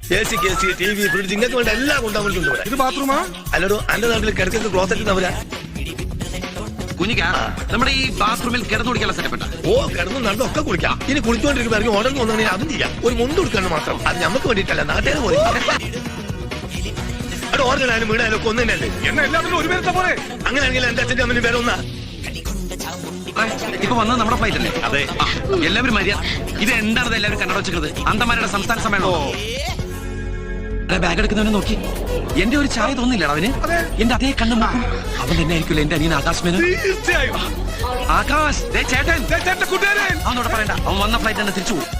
AC, TV, fridge ഇങ്ങനത്തെ വേണ്ട എല്ലാം കൊണ്ടുപോകുന്നുണ്ട് ഇവിടെ. ഇത് ബാത്റൂമാ? അല്ലടോ എന്റെ നാട്ടിൽ കിടക്കുന്ന ക്ലോസറ്റ് അവരാ. കുഞ്ഞിക്ക നമ്മുടെ ഈ ബാത്റൂമിൽ കിടന്നു കുടിക്കാനുള്ള സെറ്റപ്പ്. ഓ കിടന്നു നടന്നൊക്കെ കുളിക്കാം. ഇനി കുളിച്ചോണ്ടിരിക്കുമ്പോ ഇറങ്ങി ഓർഡർ വന്നെങ്കിൽ അതും ചെയ്യാം. ഒരു മുണ്ട് കൊടുക്കണം മാത്രം. അത് നമുക്ക് വേണ്ടിയിട്ടല്ല, നാട്ടുകാർ പോയി. അവിടെ ഓർഗനായാലും വീടായാലും ഒക്കെ ഒന്നു തന്നെയല്ലേ. എന്നെ എല്ലാത്തിനും ഒരു പേരത്തെ പോലെ. അങ്ങനെയാണെങ്കിൽ എന്റെ അച്ഛൻ്റെ അമ്മന് പേര് ഒന്നാ. ഇപ്പൊ വന്നത് നമ്മുടെ ഫ്ലൈറ്റ് അല്ലേ? അതെ. എല്ലാവരും മര്യാദ. ഇത് എന്താണ് എല്ലാവരും കണ്ണട വെച്ചത്? അന്തമാരുടെ സംസ്ഥാന സമ്മേളനം. ബാഗ് എടുക്കുന്നവനെ നോക്കി എന്റെ ഒരു ചായ തോന്നില്ലടാ അവന്. എന്റെ അതേ കണ്ണു നോക്കും. അവൻ തന്നെ ആയിരിക്കില്ല എന്റെ അനിയൻ ആകാശ് മേനോൻ. തീർച്ചയായും. ആകാശ് ചേട്ടൻ കൂട്ടുകാരൻ. അവനോട് പറയണ്ട, അവൻ വന്ന ഫ്ലൈറ്റ് തന്നെ തിരിച്ചു പോകും.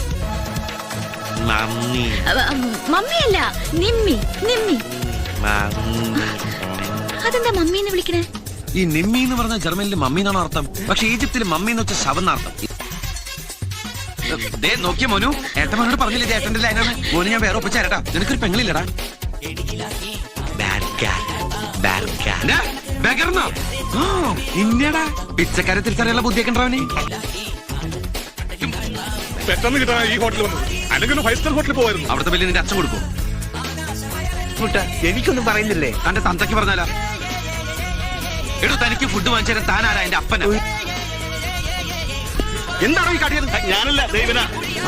മമ്മിയല്ല, നിമ്മി. നിമ്മി അതെന്താ മമ്മീന്ന് വിളിക്കണേ? ഈ നിമ്മി എന്ന് പറഞ്ഞ ജർമ്മനിൽ മമ്മി എന്നാണ് അർത്ഥം. പക്ഷെ ഈജിപ്തിൽ മമ്മി എന്ന് വെച്ച ശവം എന്നർത്ഥം. നോക്കിയ മോനു, ഏട്ടനോട് പറഞ്ഞില്ലേ ഏട്ടന്റെ ലൈനാണ്. മോനു ഞാൻ വേറെ ഒപ്പിച്ച ചേട്ടാ, നിനക്കൊരു പെങ്ങളില്ലടാ. ഇന്നടാ പിച്ചക്കാരെ തിരിച്ചറിയാനുള്ള ബുദ്ധിയൊക്കെ ഉണ്ടാവനെ. പെട്ടെന്ന് കിട്ടാൻ ഈ ഹോട്ടലിൽ വന്നത്. അല്ലെങ്കിൽ 5 സ്റ്റാർ ഹോട്ടലിൽ പോവായിരുന്നു. അവിടുത്തെ ബില്ല് നിന്റെ അച്ഛൻ കൊടുക്കും. എനിക്കൊന്നും പറയുന്നില്ലേ? തന്റെ തന്തയ്ക്ക് പറഞ്ഞാലാ? എടോ തനിക്ക് ഫുഡ് വാങ്ങിച്ചു തരാൻ താനാരാ? എന്റെ അപ്പനാ. എന്താണോ ഈ കടിയത്? ഞാനല്ല, ദൈവനാ.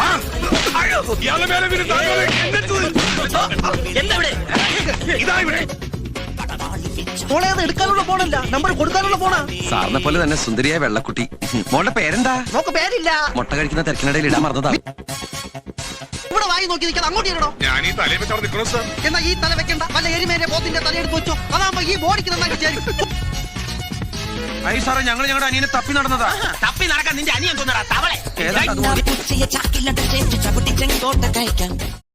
എടുക്കാനുള്ള ഫോണല്ല, നമ്പർ കൊടുക്കാനുള്ള ഫോണാ. സാറിനെ പോലെ തന്നെ സുന്ദരിയായ വെള്ളക്കുട്ടി. മോളുടെ പേരെന്താ? നോക്ക് പേരില്ല. മുട്ട കഴിക്കുന്ന തിരക്കിനിടയിൽ ഇടാൻ മറന്നതാ. ഇവിടെ വായി നോക്കി നിൽക്കാതെ അങ്ങോട്ട് ഇടണോ? ഞാൻ ഈ തലയിൽ വെച്ചവിടെ നിൽക്കണോ സാർ? എന്നാ ഈ തല വെക്കണ്ട, വല്ല എരിമേരെ പോത്തിന്റെ തലയെടുത്ത് വെച്ചോ. അതാകുമ്പോ ഈ ബോഡിക്ക് നന്നാക്കി ചേരും. സാറേ ഞങ്ങളുടെ അനിയനെ തപ്പി നടന്നതാ. തപ്പി നടക്കാൻ നിന്റെ അനിയൻ തോന്നടാ തവളെ. ഏതാ അതുപോലെ? ചാക്കിലിട്ട് ചവിട്ടി ചെങ്കോട്ട കഴിക്കാം.